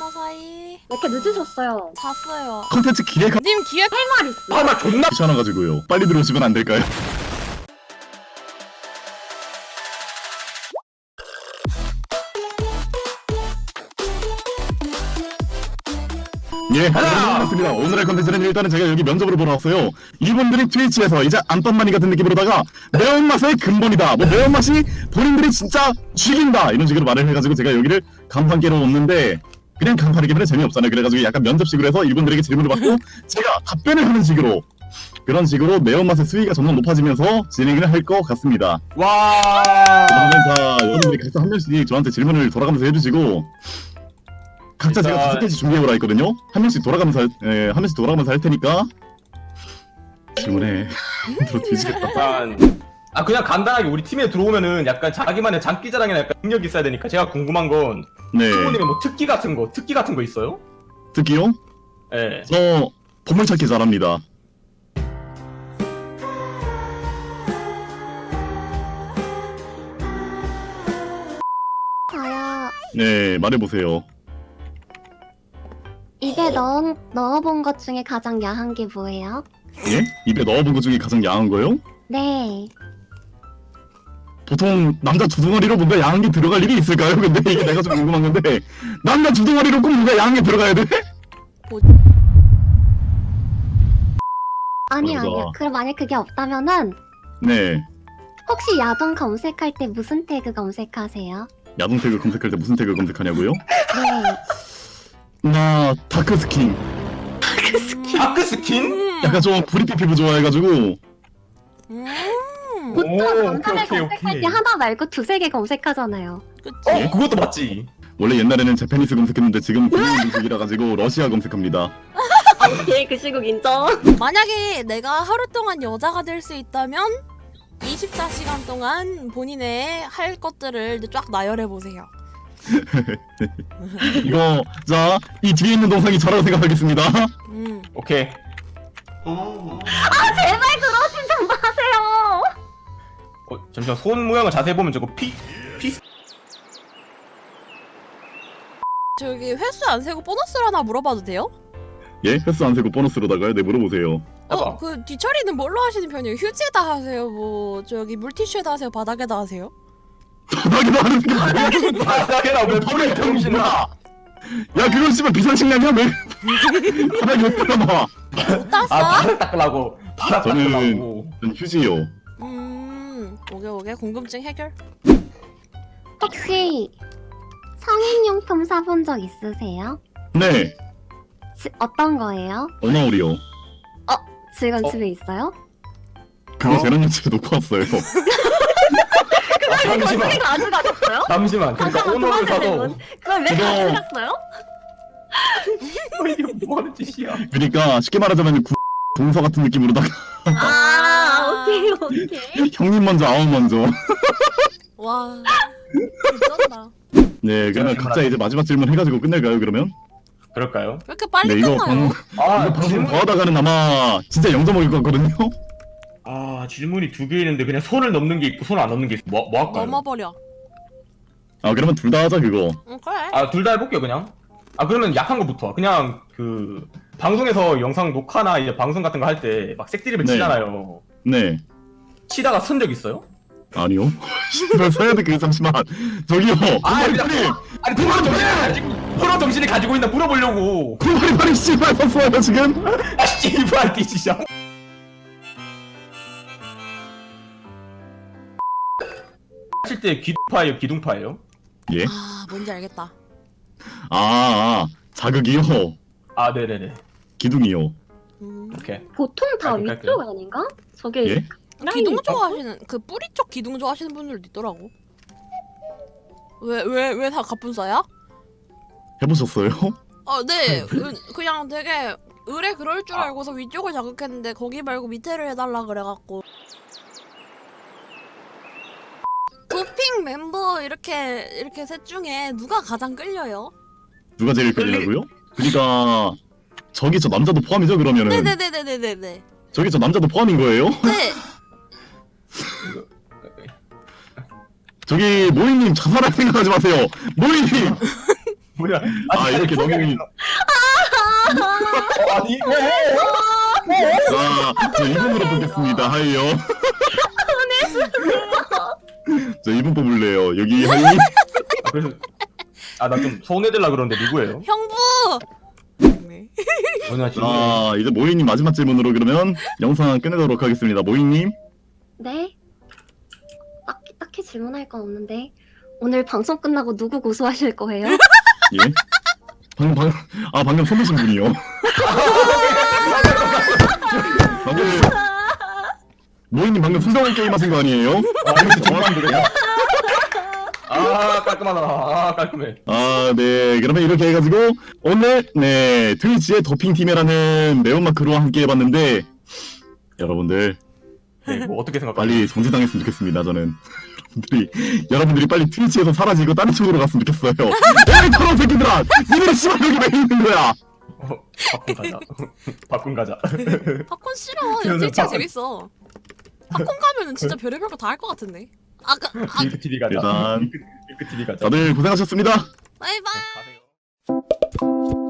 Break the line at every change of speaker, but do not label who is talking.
마사이.
왜 이렇게 늦으셨어요?
잤어요.
컨텐츠 기획
님 기획
할 말 있어.
아 나 존나
귀찮아가지고요. 빨리 들어오시면 안 될까요? 예, 반갑습니다. 오늘의 컨텐츠는 일단은 제가 여기 면접으로 보러 왔어요. 이분들이 트위치에서 이제 안방마니 같은 느낌으로다가 매운맛의 근본이다. 뭐 매운맛이 본인들이 진짜 죽인다. 이런 식으로 말을 해가지고 제가 여기를 간판 깨러 왔는데 그냥 간판을 깨면 재미없잖아요. 그래가지고 약간 면접식으로 해서 이분들에게 질문을 받고 제가 답변을 하는 식으로 그런 식으로 매운맛의 수위가 점점 높아지면서 진행을 할 것 같습니다.
와.
그러면 자, 여러분들이 각자 한 명씩 저한테 질문을 돌아가면서 해주시고 각자 제가
일단-
5개씩 준비해오라 했거든요. 한 명씩 돌아가면서 한 명씩 돌아가면서 할 테니까 질문해. 들어 뒤지겠다.
일단 그냥 간단하게 우리 팀에 들어오면은 약간 자기만의 장기자랑이나 약간 능력이 있어야 되니까 제가 궁금한 건
네.
부모님의 뭐 특기 같은 거 있어요?
특기요?
예.
저 보물찾기 잘합니다.
저요.
네, 말해보세요.
입에 넣어본 것 중에 가장 야한 게 뭐예요?
예? 입에 넣어본 것 중에 가장 야한 거요?
네.
보통 남자 두덩어리로 뭔가 야한 게 들어갈 일이 있을까요? 근데 이게 내가 좀 궁금한 건데 남자 두덩어리로 꼭 뭔가 야한 게 들어가야 돼?
아니
맞아.
아니요. 그럼 만약 그게 없다면은
네.
혹시 야동 검색할 때 무슨 태그 검색하세요?
야동 태그 검색할 때 무슨 태그 검색하냐고요?
네.
나 다크 스킨.
다크 스킨?
약간 좀 브리피 피부 좋아해가지고
보통
오케이,
남자들
오케이,
검색할
오케이.
때 하나 말고 두세 개 검색하잖아요.
그치?
그것도 맞지.
원래 옛날에는 제페니스 검색했는데 지금 국민 검색이라 가지고 러시아 검색합니다.
예, 그 시국 인정.
만약에 내가 하루 동안 여자가 될 수 있다면 24시간 동안 본인의 할 것들을 쫙 나열해 보세요.
이거 자 이 뒤에 있는 동상이 저라고 생각하겠습니다.
오케이.
제발 그러지 좀 마세요.
잠시만 손 모양을 자세히 보면 저거 피
저기 횟수 안 세고 보너스를 하나 물어봐도 돼요?
예? 횟수 안 세고 보너스로다가요? 네, 물어보세요.
해봐.
그 뒤처리는 뭘로 하시는 편이에요? 휴지에다 하세요? 뭐 저기 물티슈에다 하세요? 바닥에다 하세요?
바닥에도 하는 게 아니야?
바닥에나 왜 뿌려 병신아.
야 그건 씨발 비상식량이야 왜 바닥에 왜 뿌려놔.
못 땄어?
바닥 닦으라고. 바닥
저는-
닦으라고.
전 휴지요.
오게 궁금증 해결.
혹시 성인용품 사본 적 있으세요?
네.
어떤 거예요?
어나울이요.
지금 집에 있어요?
그거 재난용 집에 놓고 왔어요.
잠시만.
가져가셨어요?
잠시만. 그러니까 오너를 사서
그걸 왜
그거-
가져갔어요?
이게 뭐 하는 짓이야?
그러니까 쉽게 말하자면 동서 같은 느낌으로다가
오케이 오케이.
형님 먼저 아우 먼저.
와 미쳤다.
네 그러면 각자 이제 마지막 질문 해가지고 끝낼까요 그러면?
그럴까요?
왜 이렇게 빨리
네 이거
끝나요?
이거 방송 더 하다가는 아마 진짜 0점 먹을 것 같거든요.
질문이 두 개 있는데 그냥 손을 넘는 게 있고 손 안 넘는 게 있어. 뭐 할까요?
넘어버려.
아 그러면 둘 다 하자 그거.
응 그래.
둘 다 해볼게요 그냥. 그러면 약한 거부터. 그냥 그 방송에서 영상 녹화나 이제 방송 같은 거 할 때 막 색드립을
네.
치잖아요.
네.
치다가 선 적 있어요?
아니요. 씨발 써야 돼. 그 잠시만. 저기요.
아니
그냥
프로 정신이 가지고 있나 물어보려고.
빨리 씨발 썼어요 지금.
씨발 뒤지자. 하실 때 기둥파예요, 기둥파예요?
예?
아 뭔지 알겠다.
자극이요.
네네네.
기둥이요.
오케이.
보통 다
깔끔,
위쪽 아닌가? 저게
예?
기둥 좋아하시는 그 뿌리 쪽 기둥 좋아하시는 분들도 있더라고. 왜 다 갑분싸야?
해보셨어요?
네. 그냥 되게 의뢰 그럴 줄 알고서 위쪽을 자극했는데 거기 말고 밑에를 해달라 그래갖고. 도핑 멤버 이렇게 셋 중에 누가 가장 끌려요?
누가 제일 끌리냐고요? 그러니까 저기 저 남자도 포함이죠 그러면은.
네네네네네네.
저기 저 남자도 포함인 거예요?
네.
저기 모이님 자살할 생각하지 마세요. 모이님.
뭐야?
아 이렇게 너무
아니 왜?
자 이분으로 뽑겠습니다. 하이요. 자 이분 뽑을래요. 여기 하이.
그래서 나 좀 소원해달라 그러는데 누구예요?
형부. 네.
뭐냐 지금?
자 이제 모이님 마지막 질문으로 그러면 영상 끝내도록 하겠습니다. 모이님.
네? 딱히 질문할 건 없는데 오늘 방송 끝나고 누구 고소하실 거예요?
예? 방금 손드신 분이요. 방금 모이님 방금 순정한 게임 하신 거 아니에요?
이거 정말 그래. 깔끔하다. 깔끔해.
네. 그러면 이렇게 해가지고 오늘 네 트위치의 더핑팀이라는 매운맛 크루와 함께 해봤는데 여러분들
네, 뭐 어떻게 생각하세요?
빨리 정지당했으면 좋겠습니다. 저는 여러분들이 빨리 트위치에서 사라지고 다른 쪽으로 갔으면 좋겠어요. 에이 더러운 새끼들아! 니들이 씨발 여기 왜 있는 거야?
팝콘 가자. 팝콘 가자.
팝콘 싫어. 야, 트위치가 재밌어. 팝콘 가면은 진짜 별의별 거 다 할 것 같은데.
딩크 TV 가자.
일단
딩크 TV 가자.
다들 고생하셨습니다.
바이바이.
가세요.